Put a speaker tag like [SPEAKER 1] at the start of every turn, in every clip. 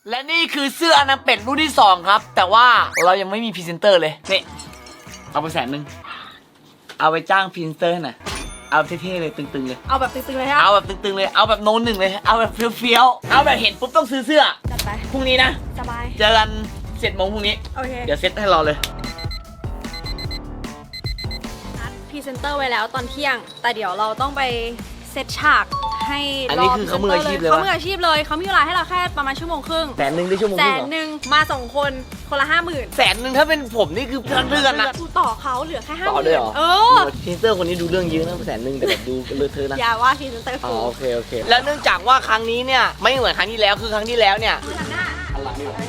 [SPEAKER 1] และนี่คือเสื้ออนาเป็ดรุ่นที่2ครับแต่ว่าเรายังไม่มีพรีเซนเตอร์เลยนี่เอาไป100,000เอาไปจ้างพรีเซนเตอร์หน่อยเอาเท่ๆเลยตึงๆเลย
[SPEAKER 2] เอาแบบตึงๆเลยฮะ
[SPEAKER 1] เอาแบบตึงๆเลยเอาแบบโน้นหนึ่งเลยเอาแบบเฟี้ยวๆเอาแบบเห็นปุ๊บต้องซื้อเสื้อ
[SPEAKER 2] จัดไป
[SPEAKER 1] พรุ่งนี้นะ
[SPEAKER 2] สบาย
[SPEAKER 1] เจอกัน7 โมงพรุ่งนี้
[SPEAKER 2] โอเค
[SPEAKER 1] เดี๋ยวเซตให้รอเลย
[SPEAKER 2] นัดพรีเซนเตอร์ไว้แล้วตอนเที่ยงแต่เดี๋ยวเราต้องไปเซตฉากให้
[SPEAKER 1] อันนี้คือเขามืออาชีพเลยวะ
[SPEAKER 2] เขามืออาชีพเลยเขามีเวลาให้เราแค่ประมาณ1.5 ชั่วโมง
[SPEAKER 1] 100,000ได้ชั่วโมงครึ่งเหรอ
[SPEAKER 2] 100,000มา2 คนคนละ 50,000
[SPEAKER 1] 100,000ถ้าเป็นผมนี่คือเพื่อนๆนะ
[SPEAKER 2] กูต่อเขาเหลือแค่ 50,000
[SPEAKER 1] ต่อด้วยเหรอ
[SPEAKER 2] เออ
[SPEAKER 1] พรีเซนเตอร์คนนี้ดูเรื่องเยอะนะ100,000แต่แบบดูเลอะเทอะนะ
[SPEAKER 2] อย่าว่าพรีเซนเตอร์
[SPEAKER 1] อ๋อ
[SPEAKER 2] กู
[SPEAKER 1] โอเคแล้วเนื่องจากว่าครั้งนี้เนี่ยไม่เหมือนครั้งที่แล้วคือครั้งที่แล้วเนี่ย
[SPEAKER 2] หันหน้า
[SPEAKER 1] หันหลังดีกว่า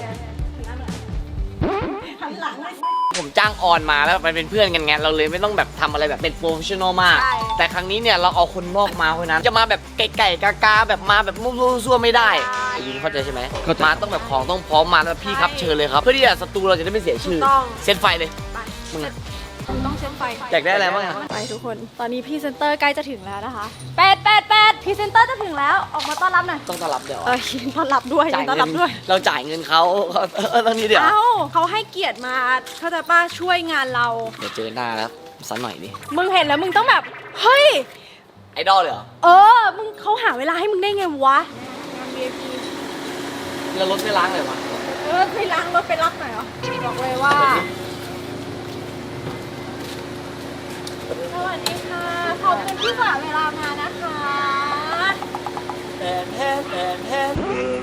[SPEAKER 2] หันหลังเลย
[SPEAKER 1] ผมจ้างออนมาแล้วไปเป็นเพื่อนกันไงเราเลยไม่ต้องแบบทำอะไรแบบเป็นโปรเฟชชั่นอลมาก
[SPEAKER 2] ใช่
[SPEAKER 1] แต่ครั้งนี้เนี่ยเราเอาคนนอกมาเพราะฉะนั้นจะมาแบบไก่ๆกาๆแบบมาแบบมุ่งๆซั่วๆไม่ได้ไอ้ยินเข้าใจใช่ไหมมาต้องแบบของต้องพร้อมมาแล้วพี่ครับเชิญเลยครับเพื่อที่จะศัตรูเราจะได้ไม่เสียชื่อเซตไฟเลย
[SPEAKER 2] ไป
[SPEAKER 1] มึงอะ
[SPEAKER 2] ต้องเชื่อมไฟ
[SPEAKER 1] อยากได้อะไรบ้างอะ
[SPEAKER 2] ไปทุกคนตอนนี้พรีเซนเตอร์ใกล้จะถึงแล้วนะคะแปดพรีเซนเตอร์จะถึงแล้วออกมาต้อนรับหน่อย
[SPEAKER 1] ต้องต้อนรับเดี๋ยว
[SPEAKER 2] ยินต้อนรับด้วยยินต้อนรับด้วย
[SPEAKER 1] เราจ่ายเงินเขาต้องนี้เดี๋ยว
[SPEAKER 2] เอ้าเขาให้เกียรติมาเขาใจะป้าช่วยงานเรา
[SPEAKER 1] เดี๋ยวเจอหน้าแล้วสักหน่อยดิ
[SPEAKER 2] มึงเห็นแล้วมึงต้องแบบ เฮ้ย
[SPEAKER 1] ไอดอลเลยเหรอ
[SPEAKER 2] มึงเขาหาเวลาให้มึงได้ไงวะ
[SPEAKER 1] แล้วรถไม่ล้างเลยวะ
[SPEAKER 2] ไปล้างรถไปรับหน่อยเหรอบอกเลยว่าสวัสดีค่ะขอบคุณที่สละเวลามานะคะ
[SPEAKER 1] แทน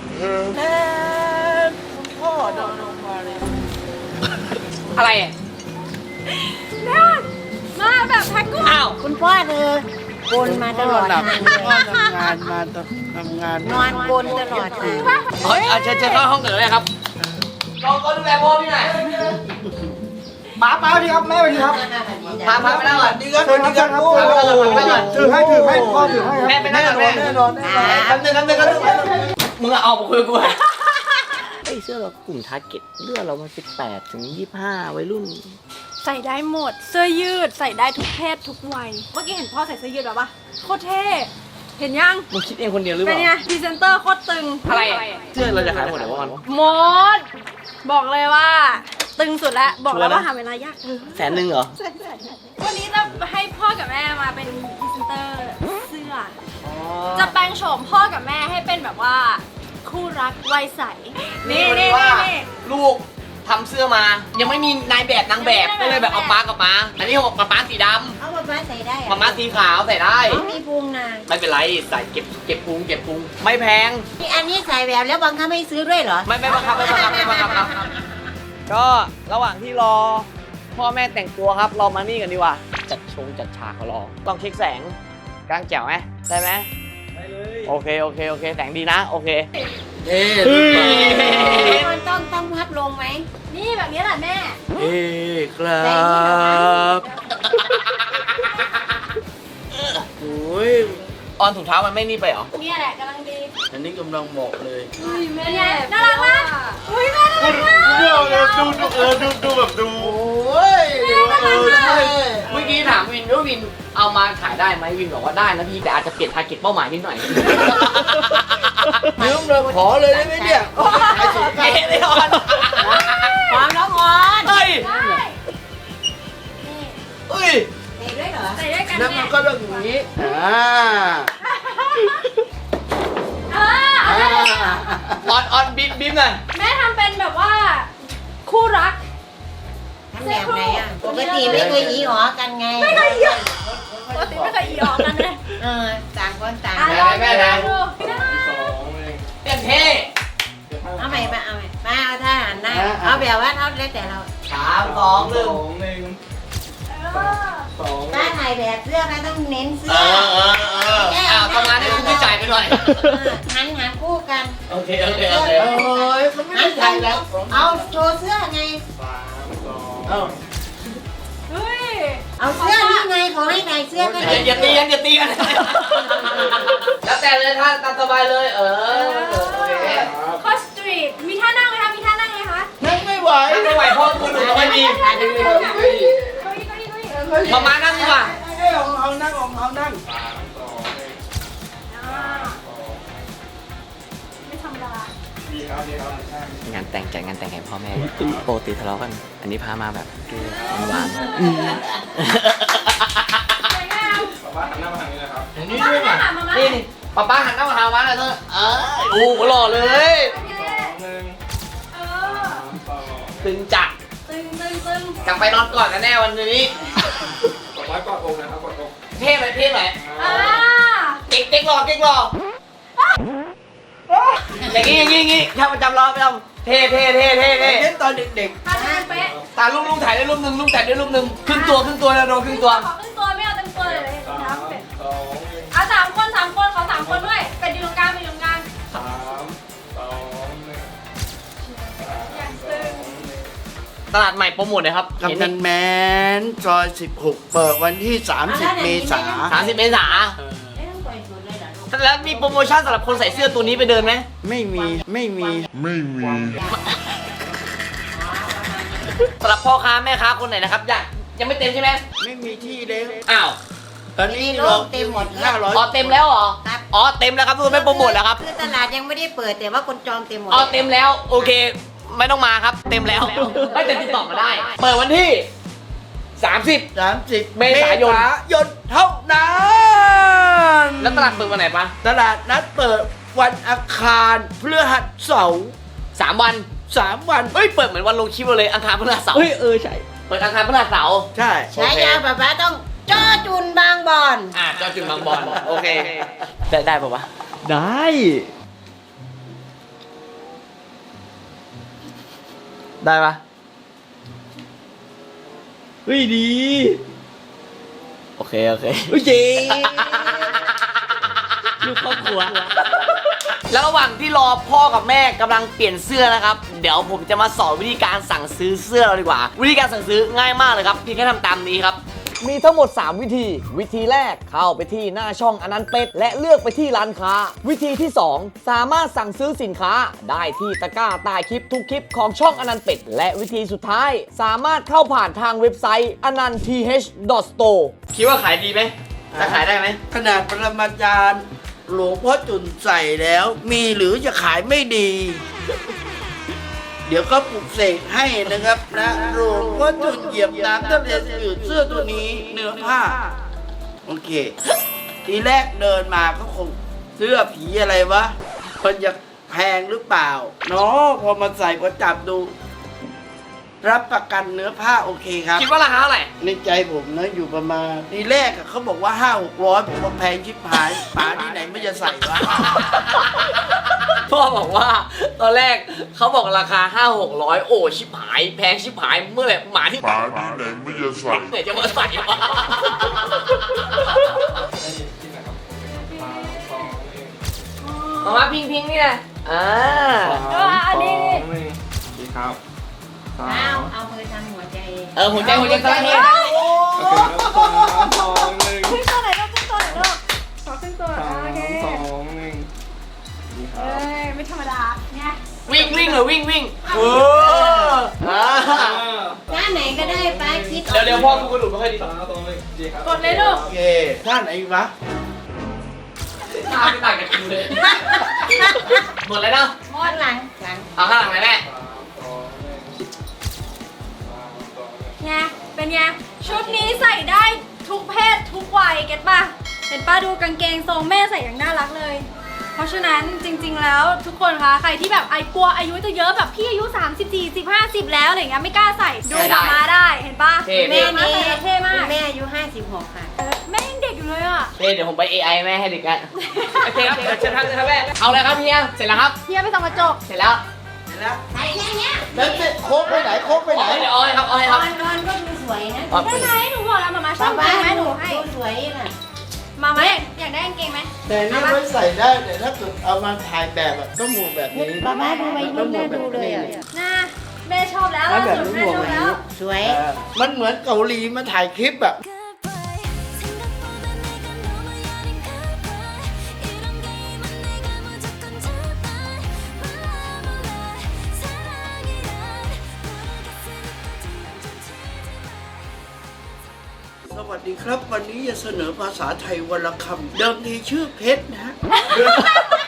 [SPEAKER 1] คุณพ่อเดินลงมาเลยอะไรอ่ะ
[SPEAKER 2] เนี่ยมาแบบแพ็คกุ้ง
[SPEAKER 1] อ้าว
[SPEAKER 3] คุณพ่อเธอโกนมาตลอดทางเลย
[SPEAKER 4] พ่อทำงานมาทำงาน
[SPEAKER 3] นอนโกนตลอดทาง
[SPEAKER 1] เฮ้ยเชิญเข้าห้องเกิดเลยครับก็ดูแลพ่อพี่หน่อย
[SPEAKER 4] ป้าสวัสดีครับแม่สวัสดีครับ
[SPEAKER 1] พาไปนั่งก่อน
[SPEAKER 4] เชิญครับเชิญครับโอ้โหถือให้พ่อถือให้ครับ
[SPEAKER 1] แม่ไปนั่งก่อนแม่
[SPEAKER 4] แน่นอน
[SPEAKER 1] คำหนึ่งมึงเอามาคุยกับกูไอ้เสื้อเรากลุ่มทาร์เก็ตเลือดเรามัน18 ถึง 25วัยรุ่น
[SPEAKER 2] ใส่ได้หมด เสื้อยืดใส่ได้ทุกเพศทุกวัย เมื่อกี้เห็นพ่อใส่เสื้อยืดแบบปะโคตรเท่ เห็นยัง
[SPEAKER 1] มึงคิดเองคนเดียวหรือเป
[SPEAKER 2] เป็น
[SPEAKER 1] ล่า
[SPEAKER 2] ไงพรีเซนเตอร์โคตรตึง
[SPEAKER 1] อะไรเสื้อเราจะขายหมดเลยว่ามัน
[SPEAKER 2] หมด บอกเลยว่า ตึงสุดแล้ว บอกแล้วว่าหาเวลายาก
[SPEAKER 1] 100,000เหรอ
[SPEAKER 2] วันนี้จะให้พ่อกับแม่มาเป็นพรีเซนเตอร์เสื้อ จะแปลงโฉมพ่อกับแม่ให้เป็นแบบว่า คู่รักวัยใส นี่
[SPEAKER 1] ลูกทำเสื้อมา ยังไม่มีนายแบบนางแบบก็เลยแบบเอาป๊ากับม้าอันนี้ของป๊าสีด
[SPEAKER 3] เอามาใส่ได้
[SPEAKER 1] ำม้าสีขาวใส่ได้
[SPEAKER 3] เขามีพุงนะ
[SPEAKER 1] ไม่เป็นไรใส่เก็บพุงไม่แพง
[SPEAKER 3] นี่อันนี้ใส่แบบแล้วบังคับไม่ซื้อด้วยเหรอ
[SPEAKER 1] ไม่บังคับครับก็ระหว่างที่รอพ่อแม่แต่งตัวครับเรามานี่กันดีกว่าจัดฉากเขารอต้องเช็คแสงกลางแจ๋วไหมได้ไหมได้เลยโอเคแสงดีนะโอเคเฮ้ย
[SPEAKER 3] มันต้องพัดลงไหม
[SPEAKER 2] นี่แบบนี้แหละแม่
[SPEAKER 1] ครับโอ้ยออนถุงเท้ามันไม่นี่ไปเหรอ
[SPEAKER 2] เนี่ยแหละกำลังดี
[SPEAKER 4] อันนี้กำลังเหมาะเลย
[SPEAKER 2] แม่น่ารักมากอุ้ยแม่น่ารักมาก
[SPEAKER 4] ดูแบบดู
[SPEAKER 1] โอ้ยเมื่อกี้ถามวินว่าวินเอามาขายได้ไหมวินบอกว่าได้นะพี่แต่อาจจะเปลี่ยนทาร์เก็ตเป้าหมายนิดหน่อย
[SPEAKER 4] ยืมเลยขอเลยได้ไหมเนี่ยขายสงกรานต์
[SPEAKER 1] เลยออน
[SPEAKER 3] ความร้อนอ่อน
[SPEAKER 1] เฮ้ย
[SPEAKER 2] ได้
[SPEAKER 1] เฮ้ย
[SPEAKER 3] ใส่ด้วยเหรอ
[SPEAKER 2] ใส่ด้วยกัน
[SPEAKER 4] นั่น
[SPEAKER 2] แม่
[SPEAKER 4] มันก็เรื่องอย่างนี้
[SPEAKER 1] ออนบิ๊มหน่อย
[SPEAKER 2] แม่ทำเป็นแบบว่า คู่รัก
[SPEAKER 3] ทั้งแบบไหนอ่ะ ปกติไม่เคยหยีหอกันไง
[SPEAKER 2] ไม่เคยหยอกปกติไม่เคยหยอกกันเลย
[SPEAKER 3] ต่างคนต่าง
[SPEAKER 2] ลองดูได้
[SPEAKER 1] เต็มเท่
[SPEAKER 3] เอาใหม่มาเอาใหม่มาเอาท่าหันหน้าเอาแบบว่าเท่าแล้วแต่เรา
[SPEAKER 1] 3 2 1
[SPEAKER 3] ถ้าถ่ายแบบเสื้อเราต้องเน้นเสื้อ
[SPEAKER 1] ประมาณนี้คุณพี่จ่ายไปหน่อย
[SPEAKER 3] หันคู่กัน
[SPEAKER 1] โอเค
[SPEAKER 4] เฮ้ยมันไม่ได้ใช่แล้ว
[SPEAKER 3] เอาโชว์เสื้อไง
[SPEAKER 2] เฮ้ย
[SPEAKER 3] เอาเสื้อนี่ไงขอให้ใส่เสื้อก็ได้
[SPEAKER 1] อย่าตีกัน แล้วแต่เลยท่านตามสบายเลย โอเค
[SPEAKER 2] คอสตรีทมีท่านั่งไหมคะมีท่านั่งไหมคะ
[SPEAKER 4] นั่งไม่ไหว
[SPEAKER 1] ไม่ไหวพ่อคุณหนูไม่มีมามานั่งดีกว่า
[SPEAKER 4] ให้ของเขานั่งของเขานั่ง
[SPEAKER 2] ไม่ธรรมดา
[SPEAKER 1] งานแต่งจัดงานแต่งให้พ่อแม่ปกติทะเลาะกัน อันนี้พามาแบบหวาน
[SPEAKER 2] สวยงาม
[SPEAKER 1] อย่างนี้ด้วยเนี่ยนี่ป๊าป้าหันหน้ามาทางมาเลยเธอโอ้โหหล่อเลย
[SPEAKER 2] โอเคเออ
[SPEAKER 1] ตึงจัด
[SPEAKER 2] ตึง
[SPEAKER 1] กลับไปนอนก่อนกันแน่วันนี้
[SPEAKER 4] กดไว้กดอกนะครับกดอก
[SPEAKER 1] เท่ไหมเท่ไหม
[SPEAKER 2] อ่า
[SPEAKER 1] เก๊กหล่ออย่างงี้ถ้าประจำรอประจำเท่
[SPEAKER 4] เล่นตอนเด็ก
[SPEAKER 2] ทำงานเป๊ะ
[SPEAKER 1] ตาลุงถ่ายได้รูปหนึ่งลุงถ่ายได้รูปหนึ่งครึ่งตัวนะโดนครึ่งตัว
[SPEAKER 2] ขอครึ่งตัวไม่เอาเต็มตัวเลยน้ำเป็ดเอาสามคนขอสามคนด้วยเป็ดอยู่ตรงกลางอย่างตึง
[SPEAKER 1] ตลาดใหม่โปรโมทเลยครับ
[SPEAKER 4] ๆกำนันแมนซอย16 เปิดวันที่ 30 เมษา
[SPEAKER 1] 30 เมษา
[SPEAKER 3] เอ๊ะต้องปล่อยสุดเลยเหรอลูก
[SPEAKER 1] แล้วมีโปรโมชั่นสำหรับคนใส่เสื้อตัวนี้ไปเดินไหม
[SPEAKER 4] ไม่มี
[SPEAKER 1] สำหรับพ่อค้าแม่ค้าคนไหนนะครับยังไม่เต็มใช่ไหม
[SPEAKER 4] ไม่มีที่เล็ก
[SPEAKER 1] อ้าว
[SPEAKER 4] ตอนนี้
[SPEAKER 3] โล
[SPEAKER 4] เรา
[SPEAKER 3] กเต็มหมด
[SPEAKER 1] อ๋อเต็มแล้วเหรอ
[SPEAKER 3] ครับ
[SPEAKER 1] อ๋อเต็มแล้วครับทุกคนไม่โปรโมทแล้วครับ
[SPEAKER 3] คือตลาดยังไม่ได้เปิดแต่ว่าคนจองเต็มหมด
[SPEAKER 1] อ๋อเต็มแล้วโอเค ไม่ต้องมาครับ เต็มแล้วไม่แต่ติดต่อมาได้ เปิดวันที่ 30
[SPEAKER 4] 30
[SPEAKER 1] เมษายน
[SPEAKER 4] เท่านั้น
[SPEAKER 1] แล้วตลาดเปิดวันไหนปะ
[SPEAKER 4] ตลาดนัดเปิดวันอังคารพฤหัสเสาร์
[SPEAKER 1] 3 วัน
[SPEAKER 4] 3 วัน
[SPEAKER 1] เฮ้ยเปิดเหมือนวันลงคลิปเราเลยอังคารพฤหัสเสาร์
[SPEAKER 4] ใช่
[SPEAKER 1] เปิดอังคารพฤหัสเสาร์
[SPEAKER 4] ใช่
[SPEAKER 3] ฉายาป๊าต้องจ้อจุนบางบอน
[SPEAKER 1] เจ้าจุดบางบอลโอเคได้ป่าววะ
[SPEAKER 4] ได้
[SPEAKER 1] ได้ปะ
[SPEAKER 4] เฮ้ยดี
[SPEAKER 1] โอเค
[SPEAKER 4] เฮ้ยเจ๊
[SPEAKER 1] ลูกครอบครัว แล้วระหว่างที่รอพ่อกับแม่กำลังเปลี่ยนเสื้อนะครับ เดี๋ยวผมจะมาสอนวิธีการสั่งซื้อเสื้อเราดีกว่า วิธีการสั่งซื้อง่ายมากเลยครับเพียงแค่ทำตามนี้ครับ มีทั้งหมด 3 วิธี วิธีแรกเข้าไปที่หน้าช่องอนันต์เป็ดและเลือกไปที่ร้านค้า วิธีที่ 2 สามารถสั่งซื้อสินค้าได้ที่ตะกร้าใต้คลิปทุกคลิปของช่องอนันต์เป็ดและวิธีสุดท้าย สามารถเข้าผ่านทางเว็บไซต์ ananth.store คิดว่าขายดีไหมจะขายได้ไหม
[SPEAKER 4] ขนาดปรมาจารย์หลวงพ่อจุนใส่แล้ว มีหรือจะขายไม่ดี เดี๋ยวก็ปลุกเสกให้นะครับนะหลวงพ่อจุนเหยียบน้ำทะเลจืดเสื้อตัวนี้เนื้อผ้า โอเค ทีแรกเดินมาก็คงเสื้อผีอะไรวะมันจะแพงหรือเปล่าเนาะพอมาใส่พอจับดู รับประกันเนื้อผ้าโอเคครับ
[SPEAKER 1] คิดว่าราคาเท่าไหร่
[SPEAKER 4] ในใจผมนะอยู่ประมาณทีแรกอะเขาบอกว่า 500-600ผมว่าแพงชิบหายป๋าที่ไหนไม่จะใส่วะ
[SPEAKER 1] พ่อบอกว่าตอนแรกเขาบอกราคา 500-600 โอ้ชิบหายแพงชิบหายเมื่อไหร่หมาที่
[SPEAKER 5] หมาที่ไหนไม่จะใส่
[SPEAKER 1] ไหนจะมาใส่วะมาพิงนี่แหละ
[SPEAKER 2] อันนี้
[SPEAKER 4] ดีครับ
[SPEAKER 3] เอามือทำหัวใจ
[SPEAKER 1] หัวใจตะเกียบ
[SPEAKER 2] ขึ้นตัวไหนลูกขอขึ้นตัวโอเคไม่ธรรมดาเนี่ย
[SPEAKER 1] วิ่งเหรอวิ่งเออ
[SPEAKER 3] ท่าไหนก็ได้ป้าคิด
[SPEAKER 1] เดี๋ยวพ่อกูกระดูกไม่ค่อยดี
[SPEAKER 2] กดเลยลูก
[SPEAKER 4] โอเคท่านไหนวะ
[SPEAKER 1] ตาไม่ต่างกับกูเลยหมดแล้วเนาะ
[SPEAKER 3] ข้างหลัง
[SPEAKER 1] เอาข้างหลังเลยแม่
[SPEAKER 2] ไงเป็นไงชุดนี้ใส่ได้ทุกเพศทุกวัยเก็ตป่ะเห็นป้าดูกางเกงทรงแม่ใส่อย่างน่ารักเลย เพราะฉะนั้นจริงๆแล้วทุกคนคะใครที่แบบกลัวอายุจะเยอะแบบพี่อายุ30 40 50แล้วอะไรเงี้ยไม่กล้าใส่ดูกลับมาได้เห็นป่ะ
[SPEAKER 3] แม่นี่
[SPEAKER 2] เท่มาก
[SPEAKER 3] แม่อายุ56ค่ะ
[SPEAKER 2] แม่ยังเด็กอยู่เลยอ่ะ
[SPEAKER 1] เดี๋ยวผมไป AI แม่ให้เด็กกันโอเคครับเชิญครับแม่เอาเลยครับเฮียเสร็จแล้วครับ
[SPEAKER 2] เฮียไปส่องกระจก
[SPEAKER 1] เสร็จแล้ว
[SPEAKER 3] ใส่แค่เนี้ย
[SPEAKER 4] แล้วโค้กไปไหนโค้กไปไหน
[SPEAKER 1] เดี๋ยวเอาให้ครับ
[SPEAKER 3] นอนก็ดูสวยนะ
[SPEAKER 2] ได้ไหมหนูบอกแล้วมาชอบ
[SPEAKER 3] ป้า
[SPEAKER 2] ไหมหนูให้
[SPEAKER 3] ดูสวยน่ะ
[SPEAKER 2] มาอยากได้กางเกงไหม
[SPEAKER 4] แต่นี่ไม่ใส่ได้แต่ถ้าเกิดเอามาถ่ายแบบอะต้องหมวกแบบนี้
[SPEAKER 3] ป้าดูไปรุ่นน่าดูเลยอ่ะ
[SPEAKER 2] น่าแม่ชอบแล้วล่าสุดแม่ชอบแล้ว
[SPEAKER 3] สวย
[SPEAKER 4] มันเหมือนเกาหลีมาถ่ายคลิปอะ สวัสดีครับ วันนี้จะเสนอภาษาไทยวันละคำเดิมทีชื่อเพชรนะฮะ เ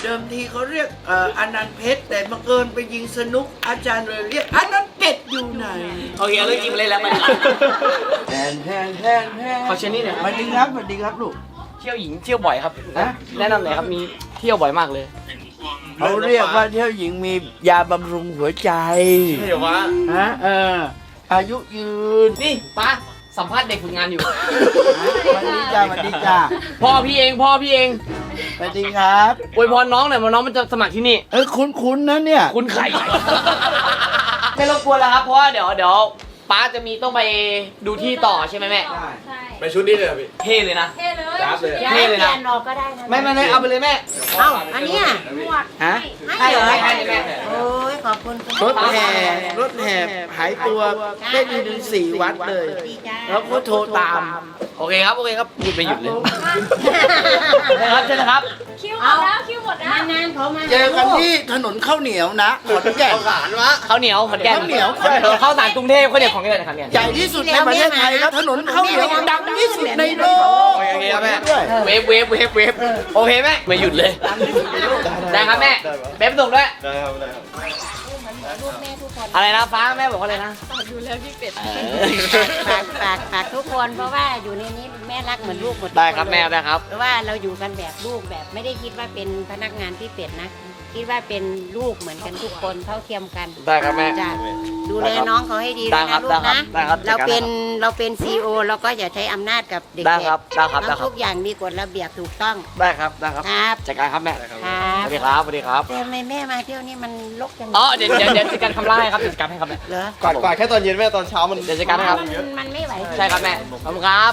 [SPEAKER 4] เดิมทีเขาเรียกอนันต์เพชรแต่บังเอิญไปยิงสนุกอาจารย์เลยเรียกอนันต์เป็ดอยู่ไหน
[SPEAKER 1] โอเคเอาเรื่องจริงมาเล่นแล้วมัน
[SPEAKER 4] แทน
[SPEAKER 1] ขอเชิญนี่หน่อย
[SPEAKER 4] สวัสดีครับสวัสดีครับลูก
[SPEAKER 1] เที่ยวหญิงเที่ยวบ่อยครับ
[SPEAKER 4] ฮะ
[SPEAKER 1] แนะนำหน่อยครับมีเที่ยวบ่อยมากเลย
[SPEAKER 4] เขาเรียกว่าเที่ยวหญิงมียาบำรุงหัวใจ
[SPEAKER 1] เดี๋ยววะ
[SPEAKER 4] ฮะอายุยืน
[SPEAKER 1] นี่ป้าสัมภาษณ์เด็กฝึกงานอยู่
[SPEAKER 4] สวัสดีจ้าสวัสดีจ้า
[SPEAKER 1] พ่อพี่เองพ่อพี่เอง
[SPEAKER 4] สวัสดีครับ
[SPEAKER 1] อวยพรน้องหน่อยว่าน้องมันจะสมัครที่นี่
[SPEAKER 4] คุ้นๆนะเนี่ย
[SPEAKER 1] คุณไข่ ไม่รบกวนแล้วครับ เพราะว่าเดี๋ยวป้าจะมีต้องไปดูที่ต่อใช่ไหมแม่
[SPEAKER 2] ใช่
[SPEAKER 5] ไปชุดนี้เลยเหรอพี่
[SPEAKER 1] เท่เลยนะ
[SPEAKER 2] เท่เลย
[SPEAKER 5] ยับเลย
[SPEAKER 3] ย้าย
[SPEAKER 1] เท่เลย
[SPEAKER 3] เป
[SPEAKER 1] นะ
[SPEAKER 3] ลี่ยนออกก็ได้นะ
[SPEAKER 1] ไม่เอาไปเลยแม่
[SPEAKER 3] เอ้าอันเนี้ย
[SPEAKER 2] หมวด
[SPEAKER 4] ฮะ
[SPEAKER 3] ให้เหรอ
[SPEAKER 1] ให้เลยแม่
[SPEAKER 3] โอ้ยขอบคุณคุณ
[SPEAKER 4] รถแห่หายตัวได้ถึง4 วัดเลย
[SPEAKER 3] ดีจ้า
[SPEAKER 4] แล้วก็โทรตาม
[SPEAKER 1] โอเคครับพูดไปหยุดเลยครับเชิญนะครับ
[SPEAKER 2] คิวหมดแล้วคิวหมดแล้ว
[SPEAKER 3] นานๆเขามา
[SPEAKER 4] เจอกันที่ถนนข้าวเหนียวนะขอนแก่น
[SPEAKER 1] ข้าวเหนียวขอนแก่น
[SPEAKER 4] ข้าวเหนียว
[SPEAKER 1] ข้าวสารกรุงเทพข้าวเหนียวของแก่นขอนแก่น
[SPEAKER 4] ใหญ่ที่สุดในประเทศไทยครับถนนข้าวเหนียวดังที่สุดในโลก
[SPEAKER 1] โอเคครับแม่
[SPEAKER 4] ด้วย
[SPEAKER 1] เวฟโอเคแม่ไม่หยุดเลยได้ครับแม่เบ๊บส่งด้วย
[SPEAKER 5] ได้ครับได้ครับ
[SPEAKER 3] ลูกแม่ทุกคน
[SPEAKER 1] อะไรนะฟ้าแม่บอกว่าอะไรนะ
[SPEAKER 2] ดูแล้วพี่เป็ด
[SPEAKER 3] ฝากทุกคนเพราะว่าอยู่ในนี้แม่รักเหมือนลูกหมดทุก
[SPEAKER 1] ได้ครับ
[SPEAKER 3] น
[SPEAKER 1] แม่
[SPEAKER 3] เลย
[SPEAKER 1] ได้ครับ
[SPEAKER 3] เพราะว่าเราอยู่กันแบบลูกแบบไม่ได้คิดว่าเป็นพนักงานที่เป็ดนะ คิดว่าเป็นลูกเหมือนกันทุกคนเท่าเทียมกัน
[SPEAKER 1] ได้ครับแม่
[SPEAKER 3] จ้ะดูแลน้องเขาให้ดี
[SPEAKER 1] ได้
[SPEAKER 3] ด้วย
[SPEAKER 1] ครั
[SPEAKER 3] นะ
[SPEAKER 1] บ
[SPEAKER 3] ลูกนะ
[SPEAKER 1] ได้ครับ
[SPEAKER 3] เราเป็น
[SPEAKER 1] ได้ครับ
[SPEAKER 3] เราเป็นซีโอเราก็อย่าใช้อำนาจกับเด็ก
[SPEAKER 1] ได้
[SPEAKER 3] ๆ
[SPEAKER 1] ครับได้ครับได้
[SPEAKER 3] ต้อง
[SPEAKER 1] ครับ
[SPEAKER 3] ทุกอย่างมีกฎระเบียบถูกต้อง
[SPEAKER 1] ได้ครับได้ครับ
[SPEAKER 3] ครับ
[SPEAKER 1] จัดการครับแม่
[SPEAKER 3] ครับ
[SPEAKER 1] สวัสดีครับสวัสดีครับ
[SPEAKER 3] แต่ทำไมแม่มาเที่ยวนี่มันลกจัง
[SPEAKER 1] อ๋อเดี๋ยวจัดการคำไล่ให้ครับจัดการให้ครับแม่
[SPEAKER 3] เหรอ
[SPEAKER 5] กวาดแค่ตอนเย็นแม่ตอนเช้ามัน
[SPEAKER 1] เดี๋ยวจัดการให้ครับ
[SPEAKER 3] มันไม่ไหว
[SPEAKER 1] ใช่ครับแม่ขอบคุณครับ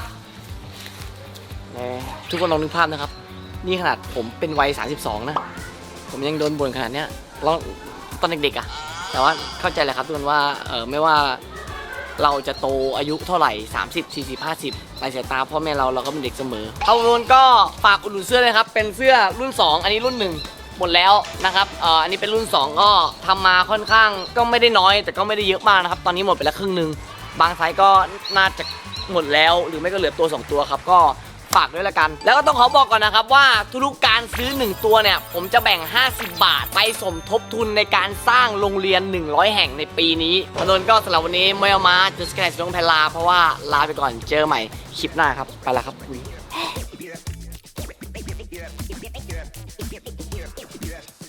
[SPEAKER 1] ทุกคนลองนึกภาพนะครับ นี่ขนาดผมเป็นวัย 32 นะ ผมยังโดนบ่นขนาดเนี้ยแล้วตอนเด็กๆอ่ะ แต่ว่าเข้าใจแหละครับทุกคนว่าไม่ว่าเราจะโตอายุเท่าไหร่ 30 40 50ในสายตาพ่อแม่เราก็เป็นเด็กเสมอเอาโนนก็ฝากอุดหนุนเสื้อเลยครับ เป็นเสื้อรุ่น 2 อันนี้รุ่น 1 หมดแล้วนะครับอันนี้เป็นรุ่น 2 ก็ทำมาค่อนข้างก็ไม่ได้น้อย แต่ก็ไม่ได้เยอะมากนะครับ ตอนนี้หมดไปแล้วครึ่งหนึงบางไซส์ก็น่าจะหมดแล้วหรือไม่ก็เหลือตัว 2 ตัวครับก็ฝากด้วยละกัน แล้วก็ต้องขอบอกก่อนนะครับว่าทุกๆการซื้อ1ตัวเนี่ยผมจะแบ่ง50 บาทไปสมทบทุนในการสร้างโรงเรียน100 แห่งในปีนี้ถนนก็สำหรับวันนี้ไม่เอามาจะสแกนสต้องแพลลาเพราะว่าลาไปก่อนเจอใหม่คลิปหน้าครับไปแล้วครับ